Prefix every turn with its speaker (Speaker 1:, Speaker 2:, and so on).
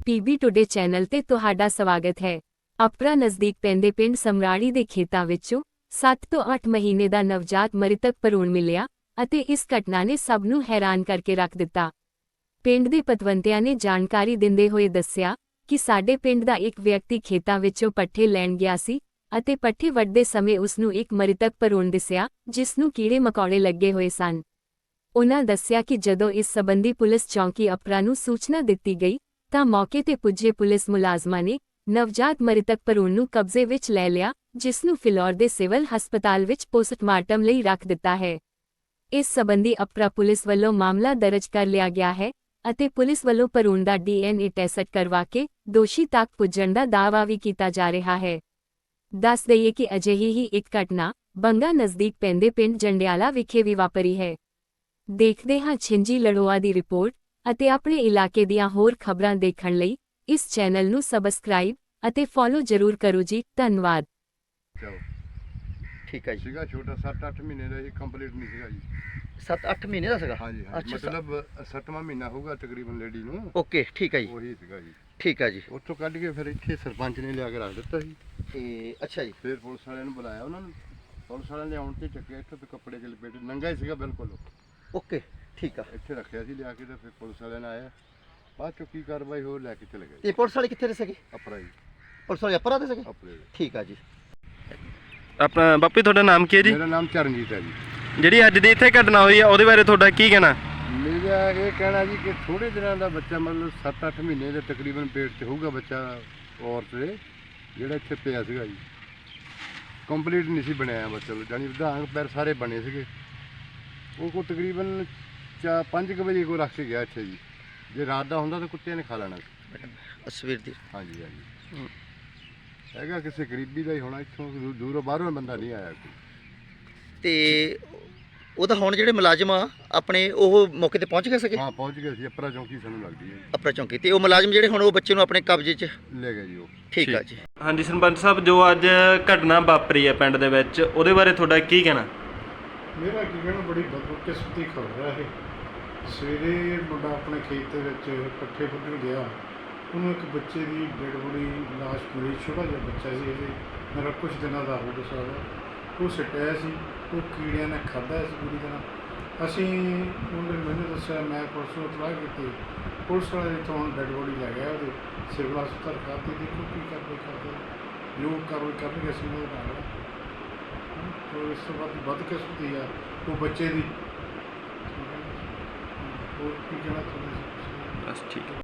Speaker 1: PB today channel ਤੇ ਤੁਹਾਡਾ ਸਵਾਗਤ ਹੈ। ਅਪਰਾ ਨਜ਼ਦੀਕ ਪੈਂਦੇ ਪਿੰਡ ਸਮਰਾੜੀ ਦੇ ਖੇਤਾਂ ਵਿੱਚੋਂ 7 ਤੋਂ 8 ਮਹੀਨੇ ਦਾ ਨਵਜਾਤ ਮ੍ਰਿਤਕ ਭਰੂਣ ਮਿਲਿਆ ਅਤੇ ਇਸ ਘਟਨਾ ਨੇ ਸਭ ਨੂੰ ਹੈਰਾਨ ਕਰਕੇ ਰੱਖ ਦਿੱਤਾ। ਪਿੰਡ ਦੇ ਪਤਵੰਤਿਆਂ ਨੇ ਜਾਣਕਾਰੀ ਦਿੰਦੇ ਹੋਏ ਦੱਸਿਆ ਕਿ ਸਾਡੇ ਪਿੰਡ ਦਾ ਇੱਕ ਵਿਅਕਤੀ ਖੇਤਾਂ ਵਿੱਚੋਂ ਪੱਠੇ ਲੈਣ ਗਿਆ ਸੀ ਅਤੇ ਪੱਠੇ ਵੱਢਦੇ ਸਮੇਂ ਉਸ ਨੂੰ ਇੱਕ ਮ੍ਰਿਤਕ ਭਰੂਣ ਦਿਸਿਆ ਜਿਸ ਨੂੰ ਕੀੜੇ ਮਕੌੜੇ ਲੱਗੇ ਹੋਏ ਸਨ। ਉਨ੍ਹਾਂ ਦੱਸਿਆ ਕਿ ਜਦੋਂ ਇਸ ਸਬੰਧੀ ਪੁਲਿਸ ਚੌਂਕੀ ਅਪਰਾ ਨੂੰ ਸੂਚਨਾ ਦਿੱਤੀ ਗਈ ਤਾਂ ਮੌਕੇ ਤੇ ਪੁੱਜੇ ਪੁਲਿਸ ਮੁਲਾਜ਼ਮਾਂ ਨੇ ਨਵਜਾਤ ਮ੍ਰਿਤਕ ਭਰੂਣ ਨੂੰ ਕਬਜ਼ੇ ਵਿੱਚ ਲੈ ਲਿਆ, ਜਿਸ ਨੂੰ ਫਿਲੌਰ ਦੇ ਸਿਵਲ ਹਸਪਤਾਲ ਵਿੱਚ ਪੋਸਟਮਾਰਟਮ ਲਈ ਰੱਖ ਦਿੱਤਾ ਹੈ। ਇਸ ਸਬੰਧੀ ਅਪਰਾ ਪੁਲਿਸ ਵੱਲੋਂ ਮਾਮਲਾ ਦਰਜ ਕਰ ਲਿਆ ਗਿਆ ਹੈ ਅਤੇ ਪੁਲਿਸ ਵੱਲੋਂ ਭਰੂਣ ਦਾ DNA ਟੈਸਟ ਕਰਵਾ ਕੇ ਦੋਸ਼ੀ ਤੱਕ ਪੁੱਜਣ ਦਾ ਦਾਅਵਾ ਵੀ ਕੀਤਾ ਜਾ ਰਿਹਾ ਹੈ। ਦੱਸ ਦਈਏ ਕਿ ਅਜਿਹੀ ਹੀ ਇੱਕ ਘਟਨਾ ਬੰਗਾ ਨਜ਼ਦੀਕ ਪੈਂਦੇ ਪਿੰਡ ਜੰਡਿਆਲਾ ਵਿਖੇ ਵੀ ਵਾਪਰੀ ਹੈ। ਦੇਖਦੇ ਹਾਂ ਛਿੰਜੀ ਲੜੋਆ ਦੀ ਰਿਪੋਰਟ ਅਤੇ ਆਪਣੇ ਇਲਾਕੇ ਦੀਆਂ ਹੋਰ ਖਬਰਾਂ ਦੇਖਣ ਲਈ ਇਸ ਚੈਨਲ ਨੂੰ ਸਬਸਕ੍ਰਾਈਬ ਅਤੇ ਫੋਲੋ ਜ਼ਰੂਰ ਕਰੋ ਜੀ। ਧੰਨਵਾਦ।
Speaker 2: ਠੀਕ ਹੈ ਜੀ।
Speaker 3: ਸੀਗਾ ਛੋਟਾ 7-8 ਮਹੀਨੇ ਦਾ, ਇਹ ਕੰਪਲੀਟ ਨਹੀਂ ਸੀਗਾ ਜੀ।
Speaker 2: 7-8 ਮਹੀਨੇ ਦਾ ਸੀਗਾ?
Speaker 3: ਹਾਂਜੀ
Speaker 2: ਅੱਛਾ,
Speaker 3: ਮਤਲਬ 7ਵਾਂ ਮਹੀਨਾ ਹੋਊਗਾ ਤਕਰੀਬਨ ਲੇਡੀ ਨੂੰ।
Speaker 2: ਓਕੇ, ਠੀਕ ਹੈ ਜੀ।
Speaker 3: ਉਹੀ ਸੀਗਾ ਜੀ।
Speaker 2: ਠੀਕ ਹੈ ਜੀ।
Speaker 3: ਉੱਥੋਂ ਕੱਢ ਕੇ ਫਿਰ ਇੱਥੇ ਸਰਪੰਚ ਨੇ ਲਿਆ ਕੇ ਰੱਖ ਦਿੱਤਾ ਸੀ।
Speaker 2: ਤੇ ਅੱਛਾ ਜੀ।
Speaker 3: ਫਿਰ ਪੁਲਿਸ ਵਾਲਿਆਂ ਨੂੰ ਬੁਲਾਇਆ, ਉਹਨਾਂ ਨੂੰ ਪੁਲਿਸ ਵਾਲਿਆਂ ਨੇ ਆਉਣ ਤੇ ਚੱਕਿਆ, ਇੱਥੋਂ ਤੇ ਕੱਪੜੇ ਚ ਲਪੇਟੇ, ਨੰਗਾ ਹੀ ਸੀਗਾ ਬਿਲਕੁਲ।
Speaker 2: ਓਕੇ, ਠੀਕ ਆ।
Speaker 3: ਇੱਥੇ ਰੱਖਿਆ ਸੀ ਲਿਆ ਕੇ, ਤੇ ਫਿਰ ਪੁਲਿਸ ਵਾਲਿਆਂ ਨੇ ਆਇਆ, ਬਾਅਦ ਚੋਂ ਕੀ ਕਾਰਵਾਈ ਹੋਰ ਲੈ ਕੇ ਚਲੇ ਗਏ।
Speaker 2: ਤੇ ਪੁਲਿਸ ਵਾਲੇ ਕਿੱਥੇ ਦੇ ਸੀਗੇ?
Speaker 3: ਅਪਰਾ ਜੀ।
Speaker 2: ਪੁਲਿਸ ਵਾਲੇ ਅਪਰਾ ਦੇ ਸੀਗੇ?
Speaker 3: ਅਪਰੇ ਦੇ।
Speaker 2: ਠੀਕ ਆ ਜੀ।
Speaker 4: ਆਪਣਾ ਬਾਪੂ ਤੁਹਾਡਾ ਨਾਮ ਕੀ ਹੈ ਜੀ?
Speaker 3: ਮੇਰਾ ਨਾਮ ਚਰਨਜੀਤ ਹੈ ਜੀ।
Speaker 4: ਜਿਹੜੀ ਅੱਜ ਦੀ ਇੱਥੇ ਘਟਨਾ ਹੋਈ ਹੈ ਉਹਦੇ ਬਾਰੇ ਤੁਹਾਡਾ ਕੀ ਕਹਿਣਾ?
Speaker 3: ਮੇਰਾ ਇਹ ਕਹਿਣਾ ਜੀ ਕਿ ਥੋੜੇ ਦਿਨਾਂ ਦਾ ਬੱਚਾ, ਮਤਲਬ 7-8 ਮਹੀਨੇ ਦੇ ਤਕਰੀਬਨ ਪੇਟ 'ਚ ਹੋਊਗਾ ਬੱਚਾ ਔਰਤ ਦੇ, ਜਿਹੜਾ ਇੱਥੇ ਪਿਆ ਸੀਗਾ ਜੀ। ਕੰਪਲੀਟ ਨਹੀਂ ਸੀ ਬਣਿਆ ਬੱਚਾ, ਜਾਨੀ ਵਿਧਾਂਗ ਪੈਰ ਸਾਰੇ ਬਣੇ ਸੀਗੇ। ਉਹ ਕੋ ਤਕਰੀਬਨ 5 ਵਜੇ ਕੋ ਰੱਖ ਕੇ ਗਿਆ ਇੱਥੇ ਜੀ। ਜੇ ਰਾਤ ਦਾ ਹੁੰਦਾ ਤਾਂ ਕੁੱਤਿਆਂ ਨੇ ਖਾ ਲੈਣਾ ਸੀ।
Speaker 2: ਸਵੇਰ ਦੀ?
Speaker 3: ਹਾਂਜੀ ਹਾਂਜੀ। ਹੈਗਾ ਕਿਸੇ ਗਰੀਬੀ ਦਾ ਹੀ ਹੋਣਾ, ਇੱਥੋਂ ਦੂਰੋਂ ਬਾਹਰੋਂ ਬੰਦਾ ਨਹੀਂ ਆਇਆ ਕੋਈ।
Speaker 2: ਤੇ ਉਹਦਾ ਹੁਣ ਜਿਹੜੇ ਮੁਲਾਜ਼ਮ ਆ ਆਪਣੇ ਉਹ ਮੌਕੇ ਤੇ ਪਹੁੰਚ ਗਏ ਸੀਗੇ?
Speaker 3: ਹਾਂ ਪਹੁੰਚ ਗਏ ਸੀ। ਅਪਰਾ ਚੌਂਕੀ ਸਾਨੂੰ ਲੱਗਦੀ ਹੈ।
Speaker 2: ਅਪਰਾ ਚੌਂਕੀ। ਤੇ ਉਹ ਮੁਲਾਜ਼ਮ ਜਿਹੜੇ ਹੁਣ ਉਹ ਬੱਚੇ ਨੂੰ ਆਪਣੇ ਕਬਜ਼ੇ 'ਚ
Speaker 3: ਲੈ ਗਏ ਜੀ ਉਹ।
Speaker 2: ਠੀਕ ਆ ਜੀ।
Speaker 4: ਹਾਂਜੀ ਸਰਪੰਚ ਸਾਹਿਬ, ਜੋ ਅੱਜ ਘਟਨਾ ਵਾਪਰੀ ਹੈ ਪਿੰਡ ਦੇ ਵਿੱਚ, ਉਹਦੇ ਬਾਰੇ ਤੁਹਾਡਾ ਕੀ ਕਹਿਣਾ?
Speaker 5: ਮੇਰਾ ਕੀ ਕਹਿਣਾ, ਬੜੀ ਬਦਕਿਸਮਤੀ ਖਬਰ ਹੈ ਇਹ। ਸਵੇਰੇ ਮੁੰਡਾ ਆਪਣੇ ਖੇਤ ਦੇ ਵਿੱਚ ਪੱਠੇ ਵੱਢਣ ਗਿਆ, ਉਹਨੂੰ ਇੱਕ ਬੱਚੇ ਦੀ ਡੈਡ ਬੋਡੀ ਲਾਸ਼ ਮਿਲੀ। ਛੋਟਾ ਜਿਹਾ ਬੱਚਾ ਸੀ, ਇਹਦੇ ਮੇਰਾ ਕੁਝ ਦਿਨਾਂ ਦਾ ਹੋ ਗਿਆ। ਉਹ ਸਟਿਆ ਸੀ, ਉਹ ਕੀੜਿਆਂ ਨੇ ਖਾਧਾ ਸੀ ਪੂਰੀ ਤਰ੍ਹਾਂ। ਅਸੀਂ ਉਹਨੇ ਮੈਨੂੰ ਦੱਸਿਆ, ਮੈਂ ਪੁਲਿਸ ਨੂੰ ਇਤਲਾਹ ਕੀਤੀ। ਪੁਲਿਸ ਵਾਲੇ ਤੋਂ ਹੁਣ ਡੈਡ ਬੋਡੀ ਲੈ ਗਿਆ ਉਹਦੇ ਸਿਵਲ ਹਸਪਤਾਲ ਖਾਤੇ। ਦੇਖੋ ਕੀ ਕਰਦੇ ਜੋ ਕਾਰਵਾਈ ਕਰਨਗੇ ਅਸੀਂ ਉਹਦੇ ਨਾਲ। ਤੋ ਇਸ ਤੋਂ ਬਾਅਦ ਬਦਕਿਸਮਤੀ ਆ ਉਹ ਬੱਚੇ ਦੀ। ਹੋਰ ਕੀ ਕਹਿਣਾ ਚਾਹੁੰਦੇ ਸੀ?
Speaker 4: ਬਸ ਠੀਕ ਹੈ।